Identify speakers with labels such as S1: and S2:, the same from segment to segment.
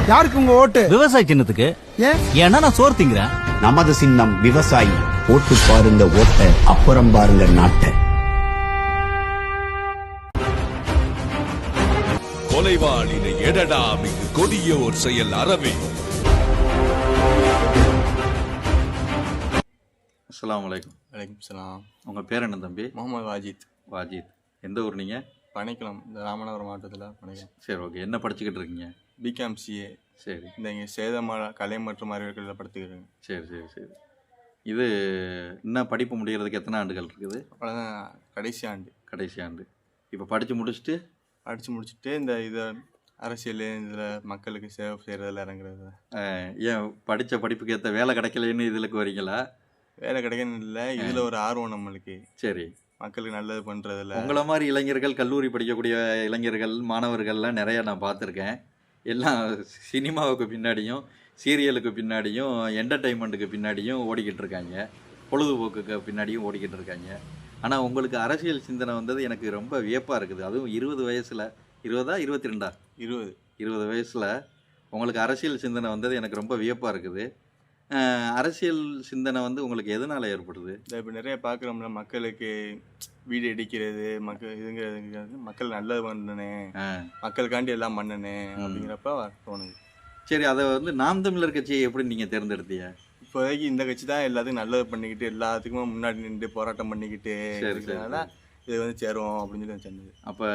S1: யாருக்கு உங்க ஓட்டு?
S2: விவசாய சின்னத்துக்கு. ஏன்னா நான் சோறு திங்கிறேன்.
S3: நமது சின்னம் விவசாயி. ஓட்டு பாருங்க ஓட்ட, அப்புறம் பாருங்க நாட்டை.
S4: கொலைவாளினை எடடா மிகு கொடியோர் செயல் அறவே.
S5: அஸ்ஸலாமு அலைக்கும்.
S6: வலைக்கும் சலாம்.
S5: உங்கள் பேர் என்ன தம்பி?
S6: முகமது வாஜித்.
S5: வாஜித். எந்த ஊர் நீங்கள்?
S6: பனைக்குளம், இந்த ராமநாதபுரம் மாவட்டத்தில் பனைக்குளம்.
S5: சரி, ஓகே. என்ன படிச்சுக்கிட்டு இருக்கீங்க?
S6: BCom CA.
S5: சரி.
S6: இந்த இங்கே சேதமலை கலை மற்றும் அறிவியல்களில் படுத்துக்கிறேன்.
S5: சரி சரி சரி. இது இன்னும் படிப்பு முடிகிறதுக்கு எத்தனை ஆண்டுகள் இருக்குது?
S6: அவ்வளோதான், கடைசி ஆண்டு.
S5: கடைசி ஆண்டு. இப்போ படித்து முடிச்சுட்டு
S6: படித்து முடிச்சுட்டு இந்த இதை அரசியல் இதில் மக்களுக்கு சேவை செய்கிறதில் இறங்குறது.
S5: ஏன் படித்த படிப்புக்கு ஏற்ற வேலை கிடைக்கலன்னு இதில் வரீங்களா?
S6: வேலை கிடைக்கணும் இல்லை, இதில் ஒரு ஆர்வம் நம்மளுக்கு.
S5: சரி.
S6: மக்களுக்கு நல்லது பண்ணுறதில்ல.
S5: உங்களை மாதிரி இளைஞர்கள், கல்லூரி படிக்கக்கூடிய இளைஞர்கள், மாணவர்கள்லாம் நிறையா நான் பார்த்துருக்கேன். எல்லாம் சினிமாவுக்கு பின்னாடியும், சீரியலுக்கு பின்னாடியும், என்டர்டெயின்மெண்ட்டுக்கு பின்னாடியும் ஓடிக்கிட்டு இருக்காங்க. பொழுதுபோக்குக்கு பின்னாடியும் ஓடிக்கிட்டு இருக்காங்க. ஆனால் உங்களுக்கு அரசியல் சிந்தனை வந்தது எனக்கு ரொம்ப வியப்பாக இருக்குது. அதுவும் 20 வயசில். 20ஆ 22ஆ? 20 வயசில் உங்களுக்கு அரசியல் சிந்தனை வந்தது எனக்கு ரொம்ப வியப்பாக இருக்குது. அரசியல் சிந்தனை உங்களுக்கு எதனால் ஏற்படுது?
S6: இப்போ நிறைய பார்க்குறோம்ல, மக்களுக்கு வீடு இடிக்கிறது, இதுங்கிறது, மக்கள் நல்லது பண்ணனேன், மக்களுக்காண்டி எல்லாம் பண்ணனேன் அப்படிங்கிறப்ப தோணுது.
S5: சரி, அதை நாம் தமிழர் கட்சியை எப்படி நீங்கள் தேர்ந்தெடுத்தீங்க?
S6: இப்போதைக்கு இந்த கட்சி தான் எல்லாத்துக்கும் நல்லது பண்ணிக்கிட்டு, எல்லாத்துக்குமே முன்னாடி நின்று போராட்டம் பண்ணிக்கிட்டு இருக்கிறதுனால இது சேரும் அப்படின்னு சொல்லி சொன்னது.
S5: அப்போ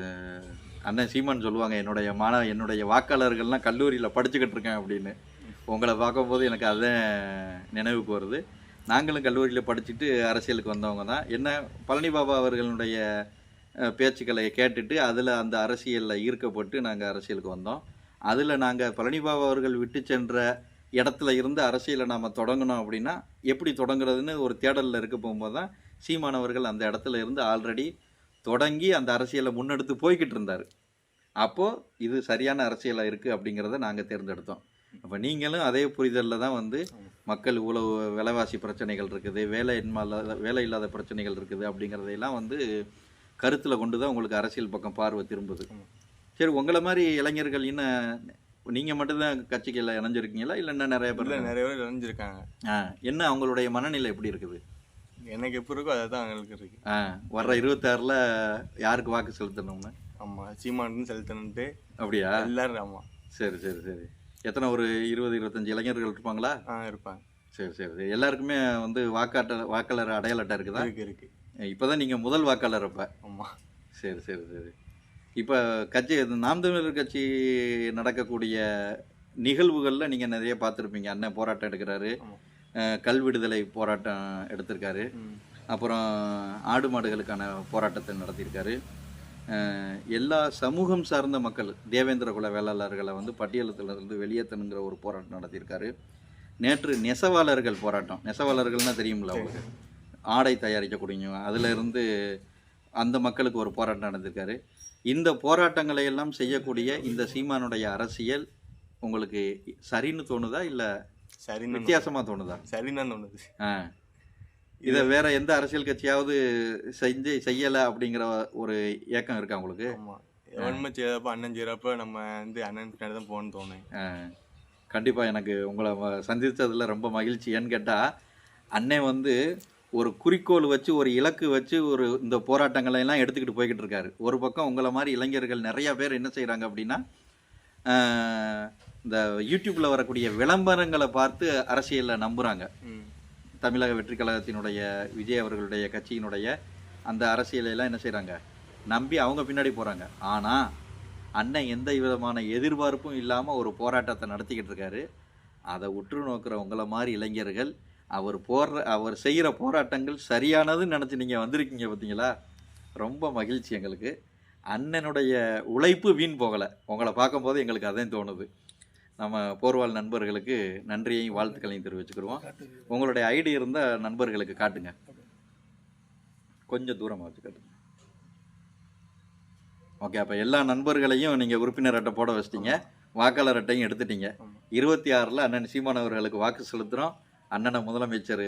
S5: அண்ணன் சீமான் சொல்லுவாங்க, என்னுடைய வாக்காளர்கள்லாம் கல்லூரியில் படிச்சுக்கிட்டு இருக்கேன் அப்படின்னு. உங்களை பார்க்கும்போது எனக்கு அதுதான் நினைவுக்கு வருது. நாங்களும் கல்லூரியில் படிச்சுட்டு அரசியலுக்கு வந்தவங்க தான். என்ன, பழனி பாபா அவர்களுடைய பேச்சுக்களை கேட்டுட்டு அதில் அந்த அரசியலில் ஈர்க்கப்பட்டு நாங்கள் அரசியலுக்கு வந்தோம். அதில் நாங்கள் பழனி பாபா அவர்கள் விட்டு சென்ற இடத்துல இருந்து அரசியலை நாம் தொடங்கணும் அப்படின்னா எப்படி தொடங்குறதுன்னு ஒரு தேடலில் இருக்க போகும்போது தான் சீமானவர்கள் அந்த இடத்துல இருந்து ஆல்ரெடி தொடங்கி அந்த அரசியலை முன்னெடுத்து போய்கிட்டு இருந்தார். அப்போது இது சரியான அரசியலாக இருக்குது அப்படிங்கிறத நாங்கள் தேர்ந்தெடுத்தோம். அப்போ நீங்களும் அதே புரிதலில் தான் மக்கள் இவ்வளோ விலைவாசி பிரச்சனைகள் இருக்குது, வேலை இல்லாத பிரச்சனைகள் இருக்குது அப்படிங்கிறதையெல்லாம் கருத்தில் கொண்டு தான் உங்களுக்கு அரசியல் பக்கம் பார்வை திரும்புது. சரி, உங்களை மாதிரி இளைஞர்கள் இன்னும் நீங்கள் மட்டும்தான் கட்சிகளில் இணைஞ்சிருக்கீங்களா இல்லை இன்னும் நிறைய பேர்?
S6: நிறைய பேர் இணைஞ்சிருக்காங்க.
S5: என்ன அவங்களுடைய மனநிலை எப்படி இருக்குது?
S6: எனக்கு எப்படி இருக்கோ அதை தான் அவங்களுக்கு இருக்கு.
S5: வர்ற 26 யாருக்கு வாக்கு செலுத்தணும்னு?
S6: ஆமாம், சீமானுன்னு செலுத்தணுன்ட்டு.
S5: அப்படியா?
S6: எல்லாரும். ஆமாம்.
S5: சரி சரி சரி. எத்தனை, ஒரு 20-25 இளைஞர்கள் இருப்பாங்களா?
S6: இருப்பாங்க.
S5: சரி சரி சரி. எல்லாருக்குமே வாக்காளர் அடையாள அட்டை இருக்குதா?
S6: இருக்கு.
S5: இப்போ தான் நீங்கள் முதல் வாக்காளர் அப்போ?
S6: ஆமாம்.
S5: சரி சரி சரி. இப்போ கட்சி, நாம் தமிழர் கட்சி நடக்கக்கூடிய நிகழ்வுகளில் நீங்கள் நிறைய பார்த்துருப்பீங்க. அண்ணன் போராட்டம் எடுக்கிறாரு, கல் விடுதலை போராட்டம் எடுத்திருக்காரு, அப்புறம் ஆடு மாடுகளுக்கான போராட்டத்தை நடத்தியிருக்காரு. எல்லா சமூகம் சார்ந்த மக்கள், தேவேந்திர குல வேளாளர்களை பட்டியலத்திலிருந்து வெளியேற்றணுங்கிற ஒரு போராட்டம் நடத்தியிருக்காரு. நேற்று நெசவாளர்கள் போராட்டம், நெசவாளர்கள்னால் தெரியுமில்ல அவங்களுக்கு, ஆடை தயாரிக்கக்கூடிய, அதிலிருந்து அந்த மக்களுக்கு ஒரு போராட்டம் நடந்திருக்காரு. இந்த போராட்டங்களை எல்லாம் செய்யக்கூடிய இந்த சீமானுடைய அரசியல் உங்களுக்கு சரின்னு தோணுதா இல்லை
S6: சரின்னு
S5: வித்தியாசமாக தோணுதா?
S6: சரின்னு தோணுது.
S5: இதை வேற எந்த அரசியல் கட்சியாவது செய்யலை அப்படிங்கிற ஒரு ஏக்கம் இருக்கா உங்களுக்கு?
S6: ஆமாம், எவன்மை செய்யறப்ப அண்ணன் செய்கிறப்ப நம்ம அண்ணன் பின்னாடி தான் போகணும்னு தோணும்.
S5: கண்டிப்பாக எனக்கு உங்களை சந்தித்ததில் ரொம்ப மகிழ்ச்சி. ஏன்னு கேட்டால், அண்ணன் ஒரு குறிக்கோள் வச்சு, ஒரு இலக்கு வச்சு, இந்த போராட்டங்களை எல்லாம் எடுத்துக்கிட்டு போய்கிட்டு இருக்காரு. ஒரு பக்கம் உங்களை மாதிரி இளைஞர்கள் நிறையா பேர் என்ன செய்கிறாங்க அப்படின்னா, இந்த யூடியூப்பில் வரக்கூடிய விளம்பரங்களை பார்த்து அரசியலில் நம்புகிறாங்க. தமிழக வெற்றி கழகத்தினுடைய விஜய் அவர்களுடைய கட்சியினுடைய அந்த அரசியலையெல்லாம் என்ன செய்கிறாங்க, நம்பி அவங்க பின்னாடி போகிறாங்க. ஆனால் அண்ணன் எந்த விதமான எதிர்பார்ப்பும் இல்லாமல் ஒரு போராட்டத்தை நடத்திக்கிட்டு இருக்காரு. அதை உற்று நோக்கிற உங்களை மாதிரி இளைஞர்கள் அவர் செய்கிற போராட்டங்கள் சரியானதுன்னு நினச்சி நீங்கள் வந்திருக்கீங்க பார்த்தீங்களா? ரொம்ப மகிழ்ச்சி எங்களுக்கு. அண்ணனுடைய உழைப்பு வீண் போகலை. உங்களை பார்க்கும்போது எங்களுக்கு அதையும் தோணுது. நம்ம போர்வால் நண்பர்களுக்கு நன்றியையும் வாழ்த்துக்களையும் தெரிவிச்சுக்கிடுவோம். உங்களுடைய ஐடி இருந்தால் நண்பர்களுக்கு காட்டுங்க, கொஞ்சம் தூரமாக வச்சு காட்டுங்க. ஓகே, அப்போ எல்லா நண்பர்களையும் நீங்கள் உறுப்பினர் அட்டை போட வச்சிட்டீங்க, வாக்காளர் அட்டையும் எடுத்துட்டீங்க. 26 அண்ணன் சீமான் அவர்களுக்கு வாக்கு செலுத்துகிறோம். அண்ணனை முதலமைச்சர்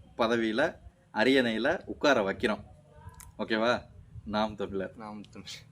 S5: பதவியில் அரியணையில் உட்கார வைக்கிறோம். ஓகேவா? நாம் தமிழர்.